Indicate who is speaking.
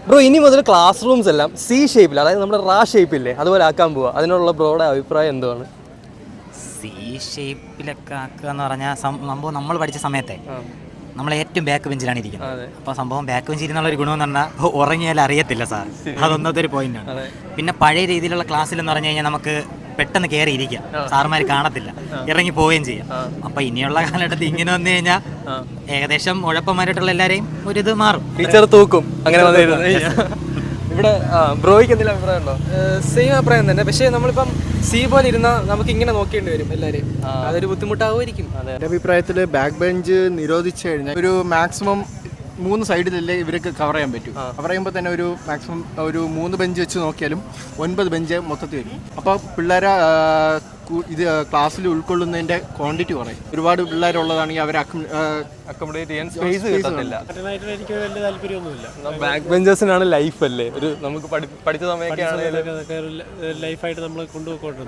Speaker 1: Bro ഇനി മുതൽ class rooms എല്ലാം സി ഷേപ്പിൽ, അതായത് നമ്മുടെ റാ ഷേപ്പില്ലേ അതുപോലെ ആക്കാൻ പോവുക. അതിനുള്ള ബ്രോയുടെ അഭിപ്രായം എന്തുവാണ്?
Speaker 2: സി ഷേപ്പിലൊക്കെ ആക്കുക എന്ന് പറഞ്ഞാൽ സംഭവം നമ്മൾ പഠിച്ച സമയത്തെ നമ്മൾ ഏറ്റവും ബാക്ക് ബെഞ്ചിലാണ് ഇരിക്കുന്നത്. അപ്പോൾ സംഭവം ബാക്ക് ബെഞ്ചിൽ ഇരുന്നുള്ള ഒരു ഗുണമെന്ന് പറഞ്ഞാൽ ഉറങ്ങിയാൽ അറിയത്തില്ല സാർ. അതൊന്നത്തെ ഒരു പോയിന്റാണ്. പിന്നെ പഴയ രീതിയിലുള്ള ക്ലാസ്സിലെന്ന് പറഞ്ഞു കഴിഞ്ഞാൽ നമുക്ക് പെട്ടെന്ന് കയറി ഇരിക്കാം, സാറുമാർ കാണത്തില്ല, ഇറങ്ങി പോവുകയും ചെയ്യാം. അപ്പോൾ ഇനിയുള്ള കാലഘട്ടത്തിൽ ഇങ്ങനെ വന്നു കഴിഞ്ഞാൽ ഏകദേശം ഉഴപ്പന്മാരായിട്ടുള്ള എല്ലാവരെയും ഒരിത് മാറും,
Speaker 1: ടീച്ചർ തൂക്കും അങ്ങനെ വന്നിരുന്നു. ഇവിടെ ബ്രോയ്ക്ക് എന്തെങ്കിലും അഭിപ്രായം ഉണ്ടോ?
Speaker 3: സെയിം അഭിപ്രായം തന്നെ. പക്ഷേ നമ്മളിപ്പം സി പോലെ ഇരുന്നാൽ നമുക്ക് ഇങ്ങനെ നോക്കേണ്ടി വരും എല്ലാവരെയും, അതൊരു ബുദ്ധിമുട്ടാവുമായിരിക്കും.
Speaker 4: എൻ്റെ അഭിപ്രായത്തിൽ ബാക്ക് ബെഞ്ച് നിരോധിച്ചു കഴിഞ്ഞാൽ ഒരു മാക്സിമം 3 സൈഡിലല്ലേ ഇവർക്ക് കവർ ചെയ്യാൻ പറ്റും. കവർ ചെയ്യുമ്പോൾ തന്നെ ഒരു മാക്സിമം ഒരു 3 ബെഞ്ച് വെച്ച് നോക്കിയാലും 9 ബെഞ്ച് മൊത്തത്തിൽ വരും. അപ്പോൾ പിള്ളേരെ ഇത് ക്ലാസ്സിൽ ഉൾക്കൊള്ളുന്നതിൻ്റെ ക്വാണ്ടിറ്റി കുറയും. ഒരുപാട് പിള്ളേരുള്ളതാണെങ്കിൽ അവരെ
Speaker 1: അക്കോമഡേറ്റ് ചെയ്യാൻ സ്പേസ് കിട്ടത്തില്ല.
Speaker 5: എനിക്ക് വലിയ താല്പര്യമൊന്നുമില്ല.
Speaker 1: ബാക്ക് ബെഞ്ചേഴ്സിനാണ് ലൈഫ് അല്ലേ, ഒരു നമുക്ക് പഠിച്ച സമയമൊക്കെ
Speaker 5: ലൈഫായിട്ട് നമ്മൾ കൊണ്ടുപോയിക്കൊണ്ടിരുന്നത്.